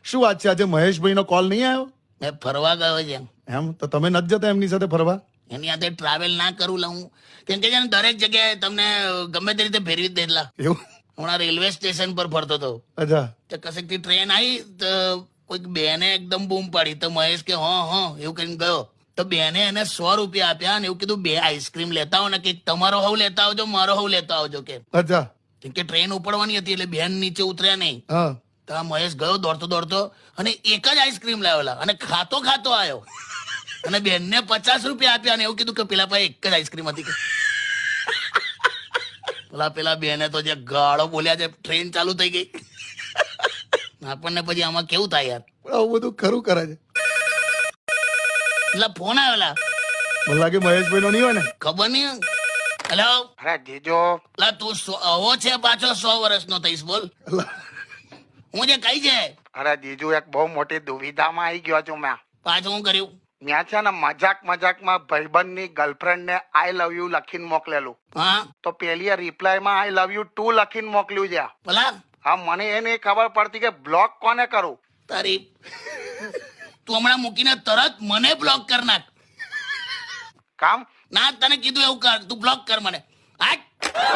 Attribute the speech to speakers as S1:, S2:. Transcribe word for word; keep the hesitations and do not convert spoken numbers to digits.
S1: શું વાત છે, આજે મહેશભાઈ નો કોલ નહીં આવ્યો?
S2: મેં ફરવા ગયો છે.
S1: એમ તો તમે નથી જતા એમની સાથે ફરવા?
S2: એની સાથે ટ્રાવેલ ના કરું લઉં કેમ કે છે ને દરેક જગ્યાએ તમને ગમે તે રીતે ફેરવી જ દેલા.
S1: એવું?
S2: હમણાં રેલવે સ્ટેશન પર ફરતો હતો
S1: અચ્છા.
S2: તો કશેકથી ટ્રેન આવી તો કોઈક બેને એકદમ બૂમ પાડી તો મહેશ કે હા હા એવું કરીને ગયો તો બેને એને સો રૂપિયા આપ્યા અને એવું કીધું બે આઈસ્ક્રીમ લેતા આવો ને કે તમારો હવ લેતા આવજો મારો હવ લેતા આવજો કે.
S1: અચ્છા.
S2: કેમ કે ટ્રેન ઉપડવાની હતી એટલે બેન નીચે ઉતર્યા નહીં.
S1: હા.
S2: તો આ મહેશ ગયો દોડતો દોડતો અને એક જ આઈસ્ક્રીમ લાવેલા અને ખાતો ખાતો આવ્યો અને બેનને પચાસ રૂપિયા આપ્યા અને એવું કીધું કે પેલા પાસે એક જ આઈસ્ક્રીમ હતી કે પેલા પેલા બેને તો જે ગાળો બોલ્યા છે ટ્રેન ચાલુ થઈ ગઈ. આપણને પછી આમાં કેવું થાય યાર?
S1: આવું બધું ખરું કરે છે.
S2: એટલે ફોન આવેલા
S1: મને લાગે મહેશભાઈ નો નહીં હોય ને.
S2: ખબર નહીં. હેલો.
S3: અરે જીજો.
S2: લા તું આવો છે પાછો સો વર્ષનો થઈશ બોલ. હું જે કઈ છે.
S3: અરે જીજુ એક બહુ મોટી દુવિધામાં આવી ગયો છું મેં.
S2: પાછું હું કર્યું?
S3: મેં છે ને મજાક મજાકમાં ભાઈબંધની ગર્લફ્રેન્ડ ને આઈ લવ યુ લખીને મોકલેલું.
S2: હા.
S3: તો પેલી રિપ્લાયમાં આઈ લવ યુ ટુ લખીને મોકલ્યું છે.
S2: ભલા
S3: હા મને એ નહીં ખબર પડતી કે બ્લોક કોને કરું.
S2: તારી તું હમણાં મૂકીને તરત મને બ્લોક કર નાખ.
S3: કામ
S2: ના તને કીધું એવું કર તું બ્લોક કર મને. હા